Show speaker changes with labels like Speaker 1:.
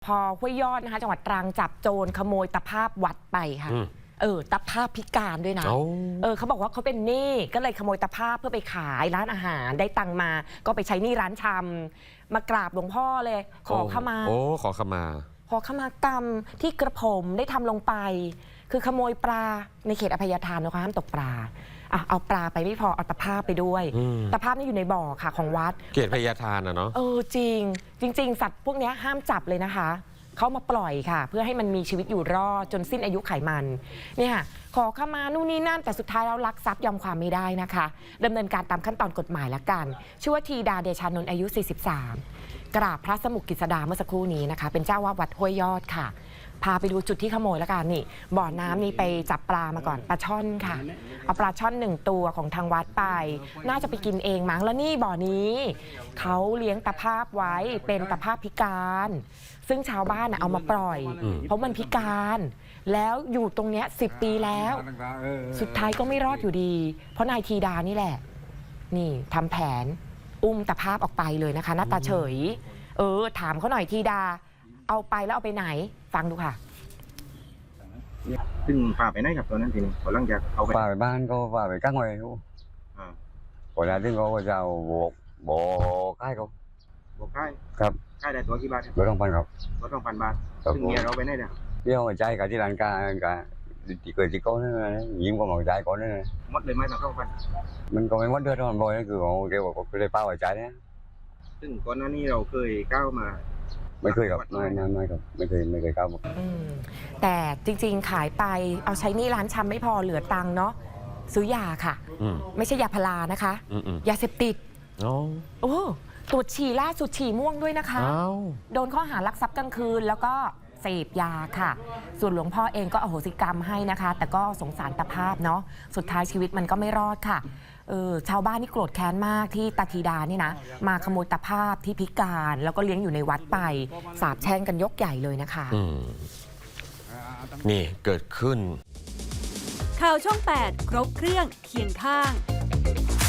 Speaker 1: พอห้วยยอดนะคะจังหวัดตรังจับโจรขโมยตะภาพวัดไปค่ะตะภาพพิการด้วยนะเขาบอกว่าเขาเป็นหนี้ก็เลยขโมยตะภาพเพื่อไปขายร้านอาหารได้ตังมาก็ไปใช้หนี้ร้านชำมากราบหลวงพ่อเลยขอขมา
Speaker 2: ขอขม
Speaker 1: ากรรมที่กระผมได้ทำลงไปคือขโมยปลาในเขตอภัยทานนะคะห้ามตกปลาเอาปลาไปไม่พอเอาตะภาพไปด้วยตะภาพนี่อยู่ในบ่อค่ะของวัด
Speaker 2: เขตอภัยทานเนาะ
Speaker 1: จริงสัตว์พวกนี้ห้ามจับเลยนะคะเขามาปล่อยค่ะเพื่อให้มันมีชีวิตอยู่รอดจนสิ้นอายุไขมันเนี่ยขอเข้ามานู่นนี่นั่นแต่สุดท้ายแล้วลักทรัพย์ยอมความไม่ได้นะคะดำเนินการตามขั้นตอนกฎหมายละกันชื่อว่าธีดาเดชานนท์อายุ43กราบพระสมุกฤษดาเมื่อสักครู่นี้นะคะเป็นเจ้าวาดวัดห้วยยอดค่ะพาไปดูจุดที่ขโมยแล้วกันนี่บ่อน้ำนี่ไปจับปลามาก่อนปลาช่อนค่ะเอาปลาช่อน1ตัวของทางวัดไปน่าจะไปกินเองมั้งแล้วนี่บ่อนี้เขาเลี้ยงตะภาพไว้เป็นตะภาพพิการซึ่งชาวบ้านเอามาปล่อยเพราะมันพิการแล้วอยู่ตรงเนี้ย10 ปีแล้วสุดท้ายก็ไม่รอดอยู่ดีเพราะนายธีดานี่แหละนี่ทำแผนอุ้มตะภาพออกไปเลยนะคะหน้าตาเฉยถามเขาหน่อยธีดาเอาไปแล้วเอาไปไหนฟังดูค่ะ
Speaker 3: ซึ่งพาไปไหนครับตอนนั้นทีนี้พอหลังจากเอาไป
Speaker 4: พาไปบ้านก็พาไปกั้งไว้รู้พอแล้วถึงเขาก็จะเอาบอกให้เขา
Speaker 3: บอกค่าย
Speaker 4: ครับ
Speaker 3: ค่ายได้ตัวกี่บาท
Speaker 4: รถ2,000ครับ
Speaker 3: รถ2,000 บาทซึ่งเมียเราไปไหนเนี่ย
Speaker 4: เดี๋ยวใจกับที่ร้านกาที่เกิดที่เขาเนี่ยยิ้มก็มองใจก่อนเนี่ย
Speaker 3: มดเลยไหม2,000
Speaker 4: มันก็ไม่มดเดือดร้อนบ่อยคือเขาเกี่ยวกับเลยเป้าใจเนี่ย
Speaker 3: ซึ่งก่อนหน้านี้เราเคยก้าวมา
Speaker 4: ไม่เคยครับไม่ครับไม่เคยก้าว
Speaker 1: แต่จริงๆขายไปเอาใช้หนี้ร้านชำไม่พอเหลือตังค์เนาะซื้อยาค่ะไม่ใช่ยาพารานะคะยาเสพติดตรวจฉี่ล่าสุดฉี่ม่วงด้วยนะคะโดนข้อหารักทรัพย์กลางคืนแล้วก็เสพยาค่ะส่วนหลวงพ่อเองก็อโหสิกรรมให้นะคะแต่ก็สงสารตาภาพเนาะสุดท้ายชีวิตมันก็ไม่รอดค่ะชาวบ้านนี่โกรธแค้นมากที่ตาธีดานี่นะมาขโมยตาภาพที่พิการแล้วก็เลี้ยงอยู่ในวัดไปสาปแช่งกันยกใหญ่เลยนะคะ
Speaker 2: นี่เกิดขึ้น
Speaker 5: ข่าวช่อง 8 ครบเครื่องเคียงข้าง